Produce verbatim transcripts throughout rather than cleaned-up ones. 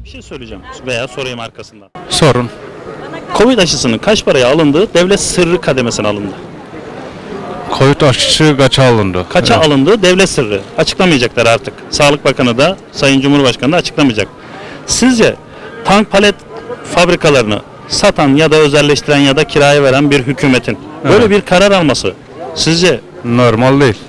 Bir şey söyleyeceğim veya sorayım arkasından. Sorun. Covid aşısının kaç paraya alındığı devlet sırrı kademesine alındı. Covid aşısı kaça alındı? Kaça Evet. alındığı devlet sırrı. Açıklamayacaklar artık. Sağlık Bakanı da Sayın Cumhurbaşkanı da açıklamayacak. Sizce tank palet fabrikalarını satan ya da özelleştiren ya da kiraya veren bir hükümetin böyle Evet. bir karar alması sizce Normal değil.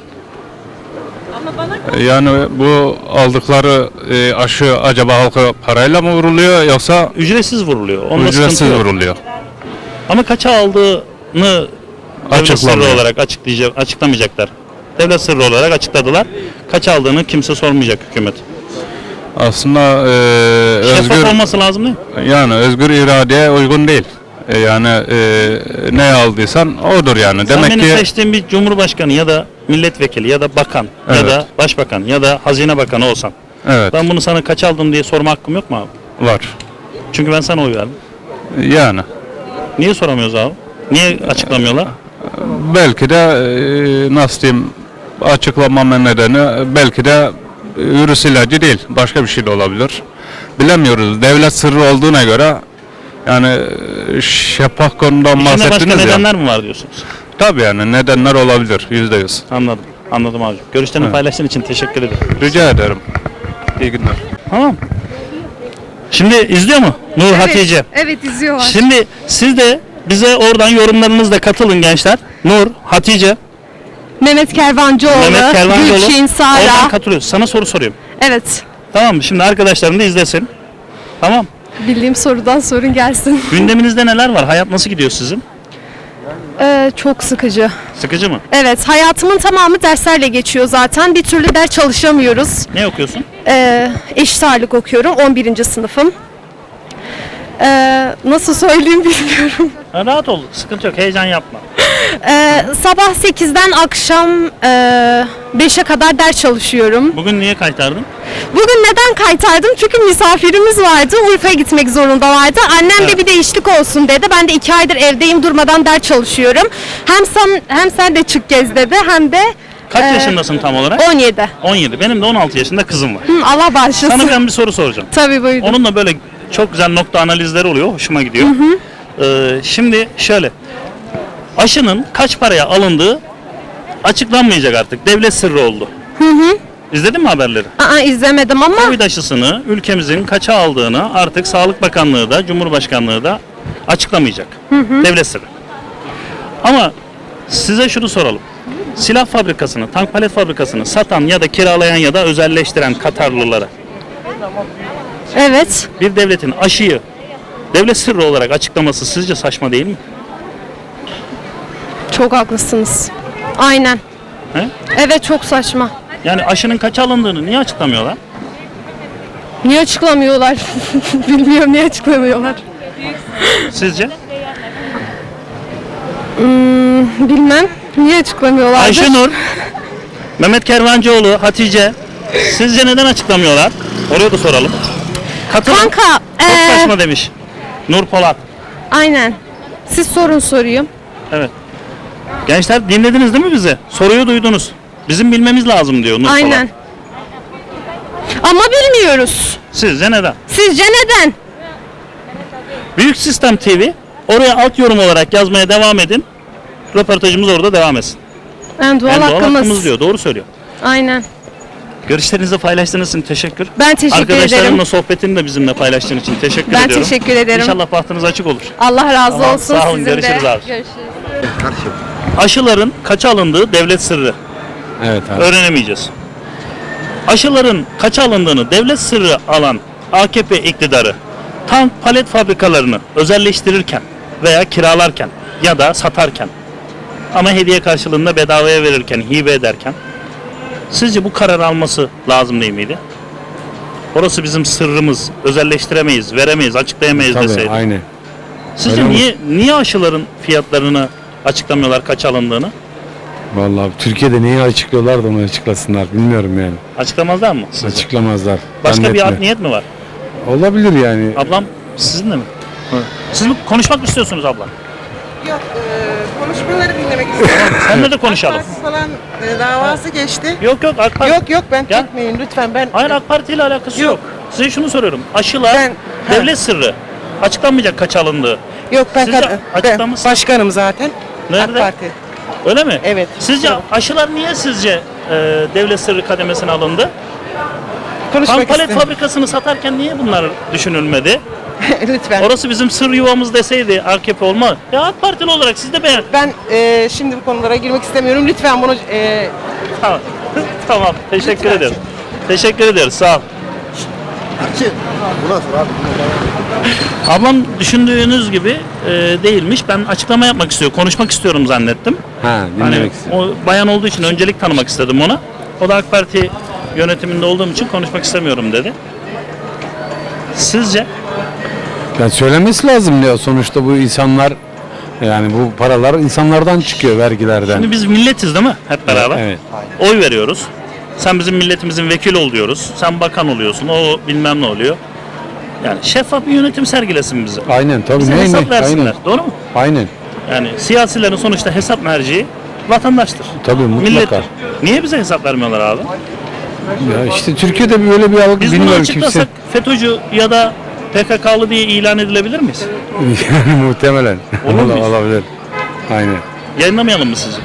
Yani bu aldıkları e, aşı acaba halka parayla mı vuruluyor yoksa ücretsiz vuruluyor? Onda ücretsiz sıkıntı yok. vuruluyor? Ama kaça aldığını devlet sırrı Açıklamıyor. olarak açıklayacak, açıklamayacaklar. Devlet sırrı olarak açıkladılar. Kaç aldığını kimse sormayacak hükümet. Aslında e, Şeffaf özgür olması lazım değil mi? yani özgür iradeye uygun değil. E, yani e, ne aldıysan odur yani. Sen Demek benim ki seçtiğim bir cumhurbaşkanı ya da milletvekili ya da bakan ya Evet. da başbakan ya da hazine bakanı olsan evet ben bunu sana kaç aldım diye sorma hakkım yok mu abi? var. Çünkü ben sana oy verdim. Yani Niye soramıyoruz abi? Niye açıklamıyorlar? belki de e, nasıl diyeyim açıklamama nedeni belki de virüs ilacı değil. Başka bir şey de olabilir. Bilemiyoruz. Devlet sırrı olduğuna göre yani e, şeffaf konudan İçinde başka bahsettiniz ya. nedenler mi var diyorsunuz? Tabii yani nedenler olabilir. Yüzde yüz. Anladım. Anladım abi. Görüşlerini Evet. paylaştığın için teşekkür ederim. Rica ederim. İyi günler. Tamam. Şimdi izliyor mu Nur Hatice? Evet izliyorlar. Şimdi siz de bize oradan yorumlarınızla katılın gençler. Nur, Hatice, Mehmet Kervancıoğlu, Mehmet Kervancıoğlu. Gülçin, Oradan Sara. katılıyoruz. Sana soru soruyorum. Evet. Tamam mı? Şimdi arkadaşlarım da izlesin. Tamam. Bildiğim sorudan sorun gelsin. Gündeminizde neler var? Hayat nasıl gidiyor sizin? Ee, çok sıkıcı. Sıkıcı mı? Evet, hayatımın tamamı derslerle geçiyor zaten. Bir türlü ders çalışamıyoruz. Ne okuyorsun? Ee, eşit ağırlık okuyorum. on birinci sınıfım. Ee, nasıl söyleyeyim bilmiyorum. Ha, rahat ol. Sıkıntı yok. Heyecan yapma. Ee, sabah sekizden akşam e, beşe kadar ders çalışıyorum. Bugün niye kaytardın? Bugün neden kaytardım? Çünkü misafirimiz vardı. Urfa'ya gitmek zorundalardı. Annem Evet. de bir değişiklik olsun dedi. Ben de iki aydır evdeyim, durmadan ders çalışıyorum. Hem sen hem sen de çık gez dedi, hem de Kaç e, yaşındasın tam olarak? on yedi. on yedi. Benim de on altı yaşında kızım var. Hı, Allah bağışlasın. Sana ben bir soru soracağım. Tabii buyurun. Onunla böyle çok güzel nokta analizleri oluyor. Hoşuma gidiyor. Ee, şimdi şöyle. Aşının kaç paraya alındığı açıklanmayacak artık. Devlet sırrı oldu. Hı hı. İzledin mi haberleri? Aa, izlemedim ama Covid aşısını ülkemizin kaça aldığını artık Sağlık Bakanlığı da Cumhurbaşkanlığı da açıklamayacak. Devlet sırrı. Ama size şunu soralım. Silah fabrikasını, tank palet fabrikasını satan ya da kiralayan ya da özelleştiren Katarlılara evet. bir devletin aşıyı devlet sırrı olarak açıklaması sizce saçma değil mi? Çok haklısınız. Aynen. He? Evet, çok saçma. Yani aşının kaça alındığını niye açıklamıyorlar? Niye açıklamıyorlar? Bilmiyorum, niye açıklamıyorlar. Sizce? Bilmem. Niye açıklamıyorlar? Ayşenur, Mehmet Kervancıoğlu, Hatice sizce neden açıklamıyorlar? Oraya da soralım. Katılın. Kanka, Çok ee, saçma demiş. Nur Polat. aynen. Siz sorun sorayım. Evet. Gençler dinlediniz değil mi bizi? Soruyu duydunuz. Bizim bilmemiz lazım diyor Nur Aynen. Polat. Ama bilmiyoruz. Sizce neden? Sizce neden? Büyük Sistem T V oraya alt yorum olarak yazmaya devam edin. Röportajımız orada devam etsin. En doğal En doğal hakkımız. hakkımız diyor. Doğru söylüyor. Aynen. Görüşlerinizi paylaştığınız için teşekkür. Ben teşekkür Arkadaşlarımla ederim. sohbetini de bizimle paylaştığın için teşekkür Ben ediyorum. teşekkür ederim. İnşallah bahtınız açık olur. Allah razı Tamam, olsun sağ olun, sizin görüşürüz de. abi. Görüşürüz. Aşıların kaça alındığı devlet sırrı. Evet abi. Öğrenemeyeceğiz. Aşıların kaça alındığını devlet sırrı alan A K P iktidarı tank palet fabrikalarını özelleştirirken veya kiralarken ya da satarken ama hediye karşılığında bedavaya verirken, hibe ederken sizce bu karar alması lazım değil miydi? Orası bizim sırrımız, özelleştiremeyiz, veremeyiz, açıklayamayız Tabii deseydi. aynı. Sizce Öyle niye niye aşıların fiyatlarını açıklamıyorlar kaç alındığını? Vallahi Türkiye'de neyi açıklıyorlar da onu açıklasınlar bilmiyorum yani. Açıklamazlar mı sizce? Açıklamazlar. Başka bir art Zannetme. niyet mi var? Olabilir yani. Ablam sizinle mi? Siz mi konuşmak mı istiyorsunuz abla? Yok, e, konuşmaları dinlemek istiyorum. Seninle de konuşalım. AK Parti falan e, davası geçti. Yok yok AK Parti. Yok yok ben Gel. çekmeyin lütfen ben. Hayır AK Parti ile alakası yok. Yok. Size şunu soruyorum. Aşılar Ben- devlet sırrı. Açıklanmayacak kaç alındığı. Yok ben, Sizce kad- ben açıklaması- başkanım zaten. Nerede? AK Parti. Öyle mi? Evet. Sizce aşılar niye sizce e, devlet sırrı kademesine alındı? Konuşmak Tank palet istedim. fabrikasını satarken niye bunlar düşünülmedi? Lütfen. Orası bizim sır yuvamız deseydi A K P olmaz. Ya AK Partili olarak siz de beğen. Ben e, şimdi bu konulara girmek istemiyorum. Lütfen bunu e, Tamam. Tamam. Teşekkür Lütfen. ederim. Teşekkür ederiz. Sağ ol. Ablam düşündüğünüz gibi e, değilmiş. Ben açıklama yapmak istiyor, konuşmak istiyorum zannettim. Ha, Hani dinlemek istiyorum. o bayan olduğu için öncelik tanımak istedim ona. O da AK Parti yönetiminde olduğum için konuşmak istemiyorum dedi. Sizce? Yani söylemesi lazım ya, sonuçta bu insanlar, yani bu paralar insanlardan çıkıyor, vergilerden. Şimdi biz milletiz değil mi? Hep beraber. Evet. Oy veriyoruz. Sen bizim milletimizin vekili ol diyoruz. Sen bakan oluyorsun. O bilmem ne oluyor. Yani şeffaf bir yönetim sergilesin bize. Aynen tabii. Bize Ne, hesap ne? versinler. Aynen. Doğru mu? Aynen. Yani siyasilerin sonuçta hesap merciği vatandaştır. Tabii, mutlaka. Millettir. Niye bize hesap vermiyorlar abi? Ya işte Türkiye'de böyle bir algı, Biz bunu bilmiyorum açıklasak kimse. FETÖ'cü ya da P K K'lı diye ilan edilebilir miyiz? Yani muhtemelen. Olur muyuz? Olabilir. Aynen. Yayınlamayalım mı sizi?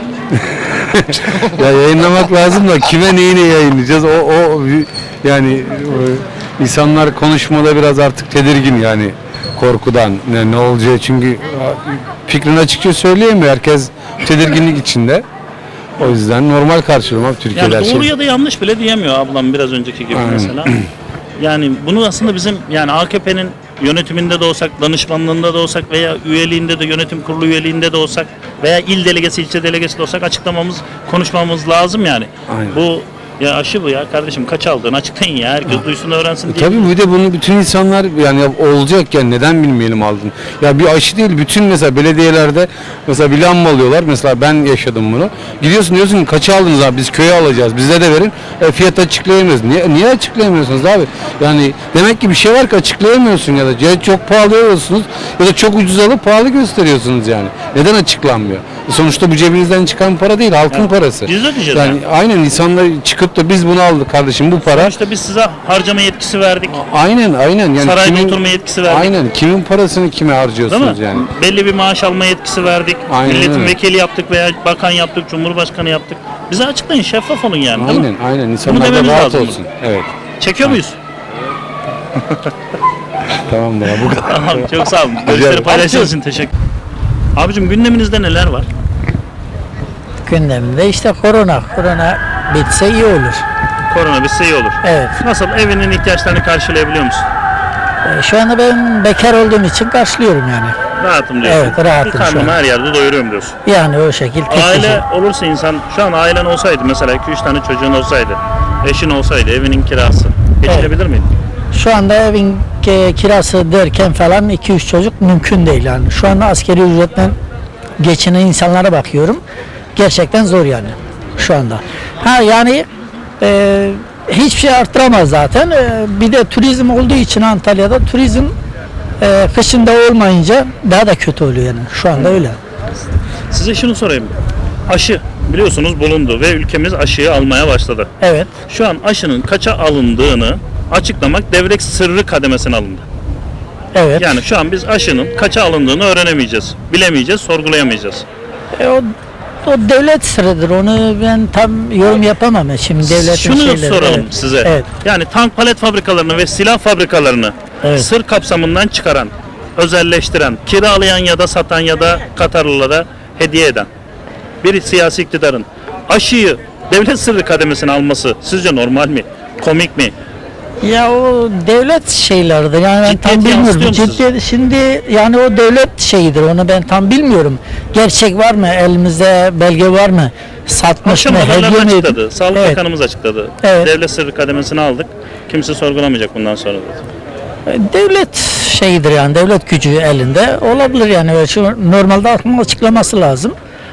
Ya yayınlamak lazım da kime neyini yayınlayacağız? O, o yani o, insanlar konuşmada biraz artık tedirgin, yani korkudan ne, ne olacağı, çünkü fikrini açıkça söyleyemiyor. Herkes tedirginlik içinde. O yüzden normal karşılıyorum abi Türkiye'de her Yani doğru şey. ya da yanlış bile diyemiyor ablam biraz önceki gibi Aynen. mesela. Yani bunu aslında bizim yani A K P'nin yönetiminde de olsak, danışmanlığında da olsak veya üyeliğinde de, yönetim kurulu üyeliğinde de olsak veya il delegesi, ilçe delegesi de olsak açıklamamız, konuşmamız lazım yani. Aynen. Bu ya aşı bu ya kardeşim, kaç aldığını açıklayın ya, herkes duysun öğrensin diye. Tabii bir de bunu bütün insanlar, yani olacak yani, neden bilmeyelim aldın. Ya bir aşı değil, bütün mesela belediyelerde mesela bir lamba alıyorlar. Mesela ben yaşadım bunu. Gidiyorsun diyorsun ki kaça aldınız abi, biz köye alacağız, bize de verin. E, fiyat açıklayamıyoruz. Niye, niye açıklayamıyorsunuz abi? Yani demek ki bir şey var ki açıklayamıyorsun ya da ya çok pahalı alıyorsunuz ya da çok ucuz alıp pahalı gösteriyorsunuz yani. Neden açıklanmıyor? Sonuçta bu cebinizden çıkan para değil, halkın Evet. parası. Biz ödeyeceğiz Yani yani. aynen, insanlar çıkıp da biz bunu aldık kardeşim, bu para. İşte biz size harcama yetkisi verdik. Aynen aynen, yani Sarayda kimin, oturma yetkisi verdik. aynen kimin parasını kime Değil harcıyorsunuz mi? yani. Belli bir maaş alma yetkisi verdik. Aynen Milletin öyle. vekili yaptık veya bakan yaptık, cumhurbaşkanı yaptık. Bize açıklayın, şeffaf olun yani, değil mi? Aynen aynen, insanlar da dememiz rahat lazım. olsun. Evet. Çekiyor muyuz? Tamam da bu kadar. Tamam, çok sağ olun. Görüşleri paylaştığınız için teşekkür. Abicim gündeminizde neler var? Gündeminde işte korona. Korona bitse iyi olur. Korona bitse iyi olur. Evet. Nasıl, evinin ihtiyaçlarını karşılayabiliyor musun? E, Şu anda ben bekar olduğum için karşılıyorum yani. Rahatım diyorsun. Evet, rahatım Bir şu karnımı an. her yerde doyuruyorum diyorsun. Yani o şekil tek Aile kişi. olursa insan, şu an ailen olsaydı mesela iki üç tane çocuğun olsaydı, eşin olsaydı, evinin kirası geçirebilir miydin? Şu anda evin e, kirası derken falan iki üç çocuk mümkün değil yani. Şu anda askeri ücretle geçinen insanlara bakıyorum. Gerçekten zor yani şu anda. Ha yani e, hiçbir şey arttıramaz zaten. E, bir de turizm olduğu için Antalya'da turizm e, kışında olmayınca daha da kötü oluyor yani. Şu anda öyle. Size şunu sorayım. Aşı biliyorsunuz bulundu ve ülkemiz aşıyı almaya başladı. Evet. Şu an aşının kaça alındığını açıklamak devlet sırrı kademesine alındı. Evet. Yani şu an biz aşının kaça alındığını öğrenemeyeceğiz, bilemeyeceğiz, sorgulayamayacağız. E, o, o devlet sırrıdır. Onu ben tam yorum yapamam. ya. Şimdi devletin Şunu şeyleri. soralım Evet. size. Evet. Yani tank palet fabrikalarını ve silah fabrikalarını Evet. sır kapsamından çıkaran, özelleştiren, kiralayan ya da satan ya da Katarlılara hediye eden bir siyasi iktidarın aşıyı devlet sırrı kademesine alması sizce normal mi? Komik mi? Ya o devlet şeyleridir. Yani ben Ciddiyet tam bilmiyorum. yansıtıyor mu Ciddi, şimdi yani o devlet şeyidir. Onu ben tam bilmiyorum. Gerçek var mı? Elimizde belge var mı? Satmış Akşam mı? haberler Hediye mi? açıkladı. Sağlık Evet. Bakanımız açıkladı. Evet. Devlet sırrı kademesine aldık. Kimse sorgulamayacak bundan sonra dedi. Devlet şeyidir yani. Devlet gücü elinde. Olabilir yani. Şu normalde aklının açıklaması lazım.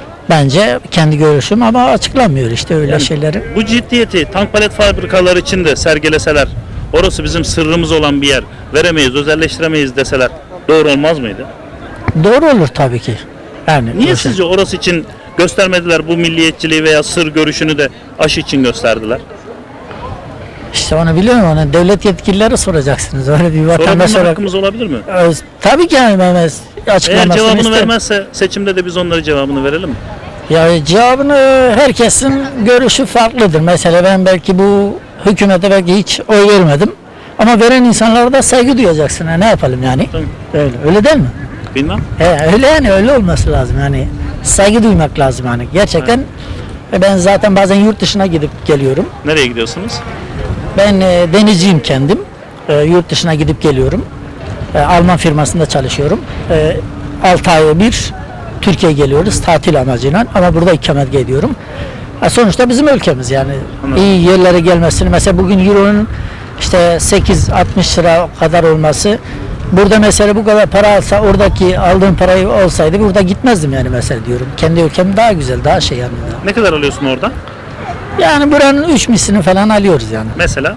Bence kendi görüşüm ama açıklamıyor işte öyle Yani şeyleri. Bu ciddiyeti tank palet fabrikaları için de sergileseler, orası bizim sırrımız olan bir yer, veremeyiz, özelleştiremeyiz deseler doğru olmaz mıydı? Doğru olur tabii ki. Yani Niye o şey- sizce orası için göstermediler, bu milliyetçiliği veya sır görüşünü de aşı için gösterdiler? İşte onu biliyorum, onu devlet yetkilileri soracaksınız. Öyle bir vatandaş Sorabilme olarak. hakkımız olabilir mi? Ee, Tabii ki yani Mehmet Eğer açıklamasını cevabını isterim. vermezse seçimde de biz onlara cevabını verelim mi? Ya cevabını herkesin görüşü farklıdır. Mesela ben belki bu hükümete belki hiç oy vermedim. Ama veren insanlara da saygı duyacaksın. Ha, ne yapalım yani? Tamam. Öyle, öyle değil mi? Bilmem. He, öyle yani öyle olması lazım yani. Saygı duymak lazım yani. Gerçekten ve ben zaten bazen yurt dışına gidip geliyorum. Nereye gidiyorsunuz? Ben e, denizciyim kendim. E, yurt dışına gidip geliyorum. E, Alman firmasında çalışıyorum. E, altı ayda bir Türkiye'ye geliyoruz tatil amacıyla ama burada ikamet ediyorum. E, sonuçta bizim ülkemiz yani. Anladım. İyi yerlere gelmesini mesela bugün Euro'nun işte sekiz altmış lira kadar olması, burada mesela bu kadar para alsa oradaki aldığım parayı olsaydı burada gitmezdim yani mesela diyorum. Kendi ülkem daha güzel, daha şey yani. Ne kadar alıyorsun orada? Yani buranın üç mislini falan alıyoruz yani. Mesela?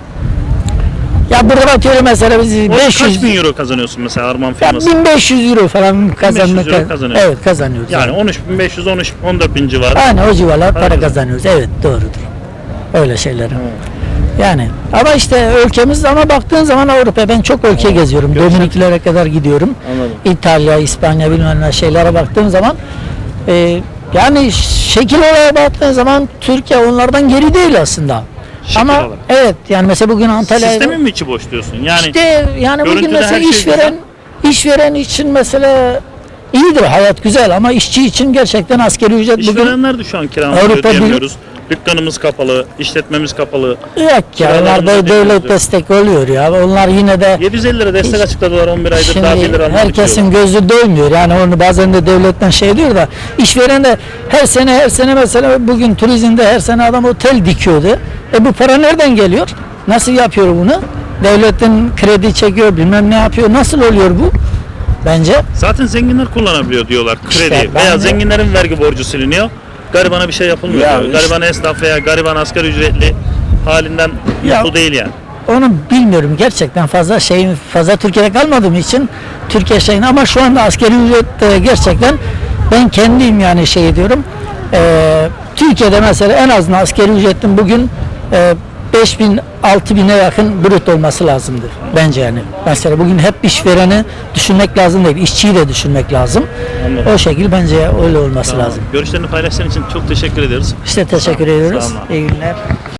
Ya burada atıyorum mesela biz Orada beş yüz kaç bin euro kazanıyorsun mesela Arman ya firması? bin beş yüz euro falan kazanmak. euro kazanıyorsun. Evet kazanıyoruz. Yani on üç bin beş yüz on dört bin civarı. Aynen o civarlar para Aynen. kazanıyoruz. Evet doğrudur. Öyle şeyler. Yani ama işte ülkemiz ama baktığın zaman Avrupa, ben çok ülke geziyorum. Görüşen- Dominiklere kadar gidiyorum. Anladım. İtalya, İspanya bilmem ne şeylere baktığım zaman e, yani şekil olarak baktığın zaman Türkiye onlardan geri değil aslında. Şekil ama olarak. evet yani mesela bugün Antalya'ya Sistemin mi içi boş diyorsun? Yani İşte yani bugün görüntüde mesela her şey işveren işveren için mesela iyidir, hayat güzel ama işçi için gerçekten asgari ücret bugün işverenler de şu an kiramızı Avrupa ödeyemiyoruz. Dükkanımız kapalı, işletmemiz kapalı. yok ya, Kiralarımızı onlar da devlet ödeyemiyoruz. destek oluyor ya, onlar yine de yedi yüz elli lira destek Hiç- açıkladılar, on bir aydır şimdi daha bir lira almadık herkesin diyorlar. gözü doymuyor yani, onu bazen de devletten şey diyor da işveren de her sene her sene mesela bugün turizmde her sene adam otel dikiyordu. E bu para nereden geliyor? Nasıl yapıyor bunu? Devletin kredi çekiyor, bilmem ne yapıyor. Nasıl oluyor bu? Bence Zaten zenginler kullanabiliyor diyorlar kredi İşte ben veya de- zenginlerin vergi borcu siliniyor. Garibana bir şey yapılmıyor Ya diyor. işte- Gariban esnaf veya gariban asgari ücretli halinden Ya- mutlu değil yani. onu bilmiyorum gerçekten, fazla şey fazla Türkiye'de kalmadığım için Türkiye şeyin, ama şu anda asgari ücret e, gerçekten ben kendim yani şey diyorum. E, Türkiye'de mesela en azından asgari ücretin bugün e, beş bin altı bine yakın brüt olması lazımdır bence yani. Mesela bugün hep işvereni düşünmek lazım değil, işçiyi de düşünmek lazım. Anladım. O şekil bence öyle olması Tamam. lazım. Görüşlerini paylaştığın için çok teşekkür ediyoruz. İşte teşekkür ediyoruz. Sağ olun abi. İyi günler.